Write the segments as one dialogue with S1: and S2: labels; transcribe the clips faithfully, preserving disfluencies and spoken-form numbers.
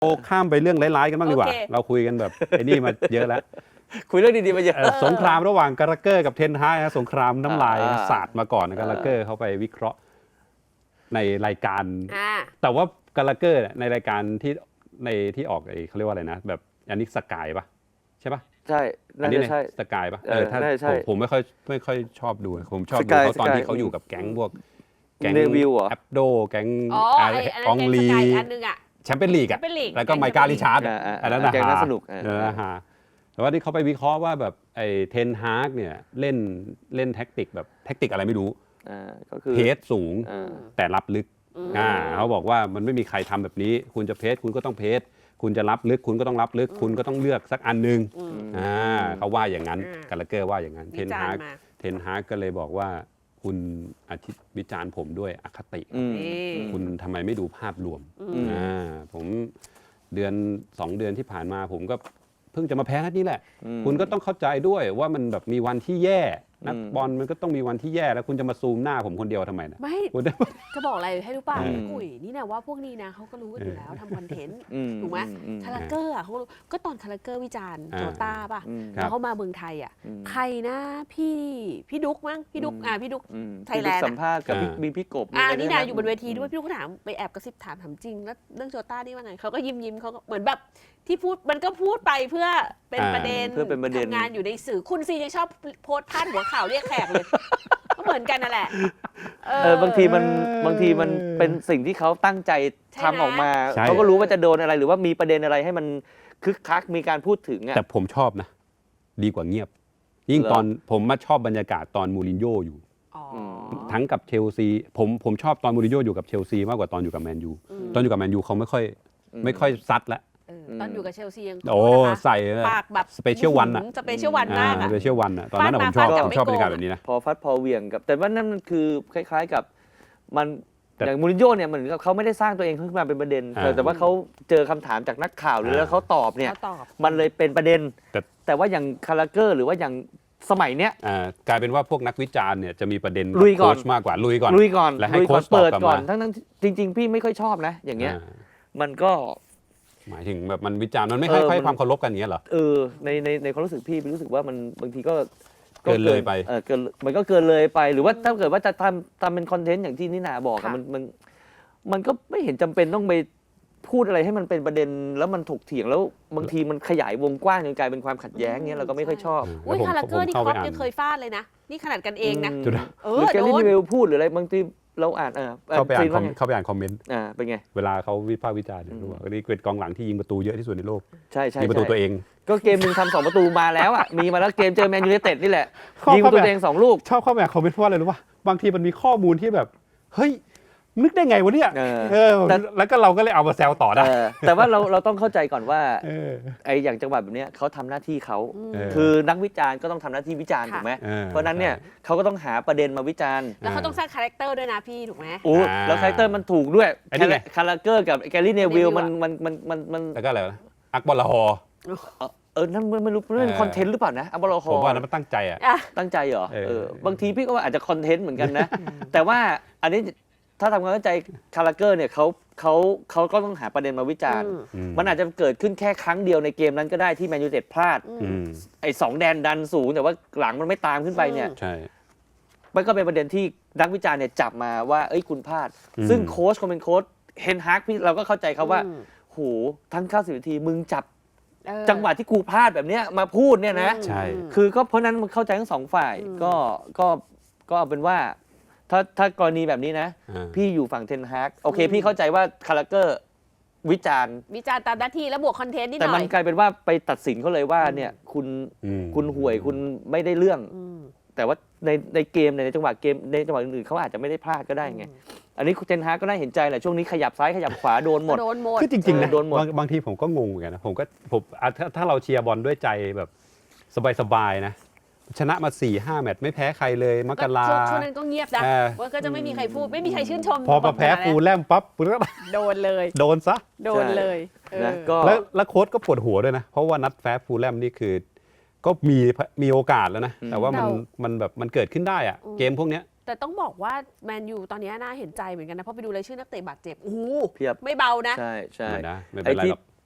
S1: โอ้ข้ามไปเรื่องร้ายๆกันบ้างดีกว่าเราคุยกันแบบไอ้นี่มาเยอะแล้ว
S2: คุยเรื่องดีๆมาเยอะ
S1: สงครามระหว่างกาลาเกอร์กับเทนฮากนะสงครามน้ำลายสาดมาก่อนกาลาเกอร์เขาไปวิเคราะห์ในรายการแต่ว่ากาลาเกอร์ในรายการที่ในที่ออกไอ้เขาเรียกว่าอะไรนะแบบอันนี้สกายปะใช่ปะ
S2: ใช่
S1: อันนี้ใช่สกายปะเออถ้าผมไม่ค่อยไม่ค่อยชอบดูผมชอบดูเขาตอนที่เขาอยู่กับแก๊งพวกแก๊งแอปโดแก๊งอองลีแชมเปี้ยนลีกอ่ะแล้วก็ไมค์กาลิชาร์ดอันนั้นนะฮะสนุกนะฮะแต่ว่าที่เขาไปวิเคราะห์ว่าแบบไอ้เทนฮากเนี่ยเล่นเล่นแท็กติกแบบแท็กติกอะไรไม่รู้เพสสูงแต่รับลึกอ่าเขาบอกว่ามันไม่มีใครทำแบบนี้คุณจะเพสคุณก็ต้องเพสคุณจะรับลึกคุณก็ต้องรับลึกคุณก็ต้องเลือกสักอันนึงอ่าเขาว่าอย่างนั้นกาลาเกอร์ว่าอย่างนั้นเทนฮากเทนฮากก็เลยบอกว่าคุณอธิวิจารณ์ผมด้วยอคติคุณทำไมไม่ดูภาพรวมอ่าผมเดือนสองเดือนที่ผ่านมาผมก็เพิ่งจะมาแพ้นัดนี้แหละคุณก็ต้องเข้าใจด้วยว่ามันแบบมีวันที่แย่นักบอลมันก็ต้องมีวันที่แย่แล้วคุณจะมาซูมหน้าผมคนเดียวทำไมนะ
S3: ไม่จะบอกอะไรให้รู้ป่ะกุ๋ยนี่นะว่าพวกนี้นะเขาก็รู้กันอยู่แล้วทำคอนเทนต์ถูกไหมคาราเกอร์อ่ะเขาก็ตอนคาราเกอร์วิจารณ์โจต้าป่ะแล้วเขามาเมืองไทยอ่ะใครนะพี่พี่ดุ๊กมั้งพี่ดุ๊กอ่าพี่ดุ๊กไทยแลนด์
S2: สัมภาษณ์กับมีพี่กบ
S3: อ่านี่นะอยู่บนเวทีด้วยพี่ดุ๊กเขาถามไปแอบกระซิบถามถามจริงแล้วเรื่องโจต้านี่ว่าไงเขาก็ยิ้มยิ้มเขาเหมือนแบบที่พูดมันก็พูดไปเพื่อเป็นประเด็นทำงานอยู่ในสื่อคุณซียังชอบโพสต์พาดหัวข่าวเรียกแขกเลยก็เหมือนกันนั่นแหละ
S2: เออบางทีมันบางทีมันเป็นสิ่งที่เขาตั้งใจทำออกมาเขาก็รู้ว่าจะโดนอะไรหรือว่ามีประเด็นอะไรให้มันคึกคักมีการพูดถึงอ่ะ
S1: แต่ผมชอบนะดีกว่าเงียบยิ่งตอนผมมาชอบบรรยากาศตอนมูรินโญ่อยู่ทั้งกับเชลซีผมผมชอบตอนมูรินโญ่อยู่กับเชลซีมากกว่าตอนอยู่กับแมนยูตอนอยู่กับแมนยูเขาไม่ค่อยไม่ค่อยซัดแล้ว
S3: ตอนอยู่กับเชลซียัง
S1: โอ้ใส่
S3: ปากแบบ
S1: สเปเชียลวันอะ
S3: สเปเชียลวันมากอะ
S1: สเปเชียลวันอะตอนนั้นผมชอบผมชอบบรรยากาศแบบนี้นะ
S2: พอฟัดพอเวียงกับแต่ว่านั่นมันคือคล้ายๆกับมันอย่างมูรินโญ่เนี่ยเหมือนกับเขาไม่ได้สร้างตัวเองขึ้นมาเป็นประเด็นแต่ว่าเขาเจอคำถามจากนักข่าวหรือแล้วเขาตอบเนี่ยมันเลยเป็นประเด็นแต่ว่าอย่างคาราเกอร์หรือว่าอย่างสมัยเนี้ย
S1: กลายเป็นว่าพวกนักวิจารณ์เนี่ยจะมีประเด็น
S2: ลุยก่อน
S1: มากกว่าลุยก่อน
S2: ลุยก่อน
S1: และให้โค้ช
S2: เปิดก่อนทั้งๆจริงๆพี่ไม่ค่อยชอบนะอย่างเงี้ยมันก็
S1: หมายถึงแบบมันวิจารณ์มันไม่ให้ให้ความเคารพกันอย่างเงี้ยเหรอ
S2: เออในในในความรู้สึกพี่รู้สึกว่ามันบางทีก็
S1: เกินเลยไป
S2: เออเกินมันก็เกินเลยไปหรือว่าถ้าเกิดว่าจะทำทำเป็นคอนเทนต์อย่างที่นิน่าบอกมันมันมันก็ไม่เห็นจำเป็นต้องไปพูดอะไรให้มันเป็นประเด็นแล้วมันถกเถียงแล้วบางทีมันขยายวงกว้างจนกลายเป็นความขัดแย้งเงี้ยเราก็ไม่ค่อยชอบ
S3: อุ้ยคาราเกอร์นี่ครอปยังเคยฟาดเลยนะนี่ขนาดกันเองนะ
S2: เออแกลี่นิเวลพูดหรืออะไรบางทีเราอ่านเออ
S1: เข้าไปอ่านเข้าไปอ่านคอมเมนต์
S2: อ่าเป็นไง
S1: เวลาเขาวิพากษ์วิจารณ์เนี่ยว่านี่เป็นกองหลังที่ยิงประตูเยอะที่สุดในโลก
S2: ใช่ใช่
S1: ยิงประตูตัวเอง
S2: ก็เกมนึงทำสองประตูมาแล้วอ่ะมีมาแล้วเกมเจอแมนยูไนเต็ดนี่แหละยิงประตูตัวเองสองลูก
S1: ชอบเข้าไปอ่านคอมเมนต์เพราะอะไรรู้ป่ะบางทีมันมีข้อมูลที่แบบเฮ้ยนึกได้ไงวะเนี่ยเออแล้วก็เราก็เลยเอามาแซวต่อได้
S2: แต่ว่าเราเราต้องเข้าใจก่อนว่าไอ้อย่างจังหวะแบบนี้เขาทำหน้าที่เขาคือนักวิจารณ์ก็ต้องทำหน้าที่วิจารณ์ถูกไหมเพราะนั้นเนี่ยเขาก็ต้องหาประเด็นมาวิจารณ์
S3: แล้วเขาต้องสร้างคาแรคเตอร์ด้วยนะพี่ถูกไหม
S2: โอ้แล้วคาแรคเตอร์มันถูกด้วยคาราเกอร์กับแกลลี่เนวิลมันมันมันมันมัน
S1: แล้วก็อะไรอักบอลลาฮอ
S2: เออนั่นไม่รู้เป็นคอนเทนต์หรือเปล่านะอักบอลลาฮอ
S1: ผมว่านั้นมันตั้งใจอ่ะ
S2: ตั้งใจเหรอเออบางทีพี่ก็ว่าอาจจะคอนเทนต์เหมือนกันนะแต่ว่าอันนี้ถ้าทำความเข้าใจคาราเกอร์เนี่ยเขาเขาเขาก็ต้องหาประเด็นมาวิจารณ์มันอาจจะเกิดขึ้นแค่ครั้งเดียวในเกมนั้นก็ได้ที่แมนยูไนเต็ดพลาดไอ้สองแดนดันสูงแต่ว่าหลังมันไม่ตามขึ้นไปเนี่ย
S1: ใช่
S2: มันก็เป็นประเด็นที่นักวิจารณ์เนี่ยจับมาว่าเอ้ยคุณพลาดซึ่งโค้ชคนเป็นโค้ชเฮนฮากพี่เราก็เข้าใจเขาว่าโหทั้งเก้าสิบนาทีมึงจับจังหวะที่กูพลาดแบบเนี้ยมาพูดเนี่ยนะ
S1: ใช่
S2: คือก็เพราะนั้นมันเข้าใจทั้งสองฝ่ายก็ก็ก็เอาเป็นว่าถ้าถ้ากรณีแบบนี้นะพี่อยู่ฝั่งเทนฮากโอเคพี่เข้าใจว่าคาราเกอร์วิจารณ์
S3: วิจารณ์ตามหน้าที่แล้วบวกคอนเทนต์นิดหน่
S2: อยแต่มันกลายเป็นว่าไปตัดสินเขาเลยว่าเนี่ยคุณคุณห่วยคุณไม่ได้เรื่องแต่ว่าในในเกมในจังหวะเกมในจังหวะอื่นๆเขาอาจจะไม่ได้พลาดก็ได้ไงอันนี้เทนฮากก็น่าเห็นใจแหละช่วงนี้ขยับซ้ายขยับขวาโดนหมด
S1: คือจริงๆนะบางทีผมก็งงเหมือนกันนะผมก็ผมถ้าเราเชียร์บอลด้วยใจแบบสบายๆนะชนะมา สี่ห้า แมตช์ไม่แพ้ใครเลยมกรา
S3: ช่วงนั้นก็เงียบนะว่าก็จะไม่มีใครพูดไม่มีใครชื่นชม
S1: พอมาแพ้ฟูลแลมปั๊บ
S3: โดนเลย
S1: โดนซะ
S3: โดนเลย
S1: แล้วแล้วโค้ชก็ปวดหัวด้วยนะเพราะว่านัดแพ้ฟูลแลมนี่คือก็มีมีโอกาสแล้วนะแต่ว่ามันมันแบบมันเกิดขึ้นได้อะเกมพวกเนี้ย
S3: แต่ต้องบอกว่าแมนยูตอนนี้น่าเห็นใจเหมือนกันนะเพราะไปดูรายชื่อนักเตะบาดเจ็บโอ้โห
S2: เพียบ
S3: ไม่เบานะ
S2: ใช่ใช่
S1: ไม่เป็นไรหรอก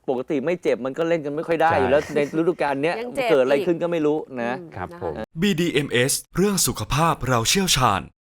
S2: ปกติไม่เจ็บมันก็เล่นกันไม่ค่อยได้อยู่แล้วในฤดูกาลเนี้ย
S3: ยังเจ็บ
S2: เกิดอะไร
S3: อีก
S2: ขึ้นก็ไม่รู้นะ
S3: อืม
S1: ครับ
S3: นะะ
S1: ผม
S4: บี ดี เอ็ม เอส เรื่องสุขภาพเราเชี่ยวชาญ